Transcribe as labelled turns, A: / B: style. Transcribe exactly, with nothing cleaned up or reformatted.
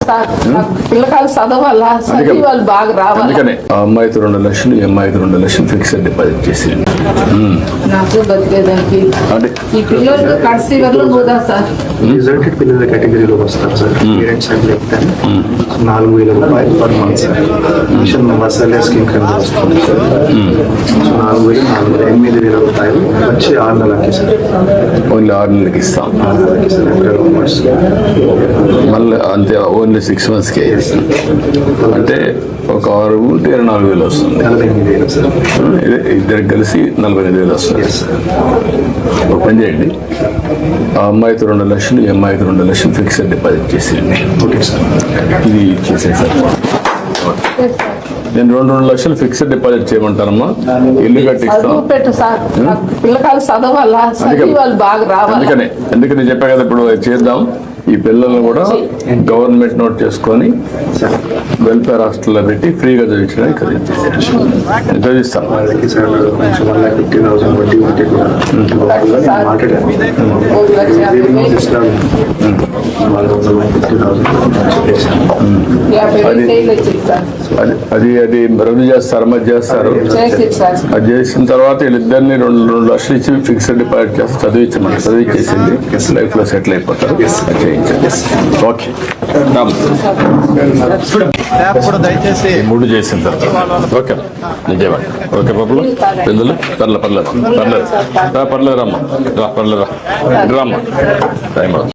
A: Sir పిల్లకాయలు చదవాలా చదివి వాళ్ళు బాగా రావాలి.
B: అందుకనే ఆ అమ్మాయితో రెండు లక్షలు ఈ అమ్మాయితో రెండు లక్షలు ఫిక్స్డ్ డిపాజిట్ చేసి
A: నాకు బతికేదానికి
B: అంటే
A: ఈ పిల్లలకి కడిసి వరకు పోదా సార్.
C: రిజల్టెడ్ పిల్లల కేటగిరీలో వస్తారు సార్. పేరెంట్స్ అండ్ చెప్తాను నాలుగు వేల రూపాయలు per month sir. Mission masala scheme కింద వస్తుంది సార్. సో నాలుగు వేలు నాలుగు వేల ఎనిమిది వేల రూపాయలు వచ్చి ఆరు నెలలకి సార్.
B: ఓన్లీ ఆరు నెలలకి ఇస్తాం.
C: ఆరు నెలలకి సార్. ఏప్రిల్ మార్చ్
B: మళ్ళీ అంతే ఓన్లీ సిక్స్ మంత్స్కే అంటే ఒక ఆరు ఉంటే ఇరవై నాలుగు వేలు వస్తుంది.
C: నలభై ఎనిమిది వేలు సార్.
B: ఇదే ఇద్దరికి కలిసి నలభై ఎనిమిది వేలు వస్తుంది. ఒక పని చేయండి, ఆ అమ్మాయితో రెండు లక్షలు ఈ అమ్మాయితో రెండు లక్షలు ఫిక్స్డ్ డిపాజిట్ చేసేయండి.
C: Okay sir.
B: ఇది చేసేసారు. నేను రెండు రెండు లక్షలు ఫిక్స్డ్ డిపాజిట్ చేయమంటానమ్మా. ఇల్లు కట్టిస్తాం.
A: చదువు పెట్టు సార్ పిల్లకాయలు చదవాలా చదివి వాళ్ళు బాగా రావాలి.
B: అందుకనే అందుకని చెప్పా కదా ఇప్పుడు చేద్దాం. ఈ పిల్లల్ని కూడా గవర్నమెంట్ నోట్ చేసుకొని వెల్ఫేర్ హాస్టల్లో పెట్టి ఫ్రీగా చదివించడానికి చదివిస్తాం.
C: వాళ్ళకి సార్ కొంచెం వన్ లాక్ ఫిఫ్టీ థౌసండ్ వడ్డీ ఉంటే కూడా మాట్లాడాను. వాళ్ళు వన్ ఫిఫ్టీ థౌసండ్
A: యాభై వేలు చేయలు వచ్చింది సార్.
B: అది అది అది రద్దు చేస్తారు, మధ్య చేస్తారు.
A: చేసి సార్
B: అది చేసిన తర్వాత వీళ్ళిద్దరిని రెండు రెండు లక్షలు ఇచ్చి ఫిక్స్డ్ డిపాజిట్ చేసి చదివించమంటారు. చదివించేసింది లైఫ్ లో సెటిల్ అయిపోతారు. ఓకే
D: దయచేసి
B: మూడు చేసిన తర్వాత ఓకే నిజేవాడు. ఓకే బాబులు పిల్లలు పర్లేదు పర్లేదు పర్లేదు పర్లేదు రమ్మా రా పర్లేదు రా రమ్మా టైం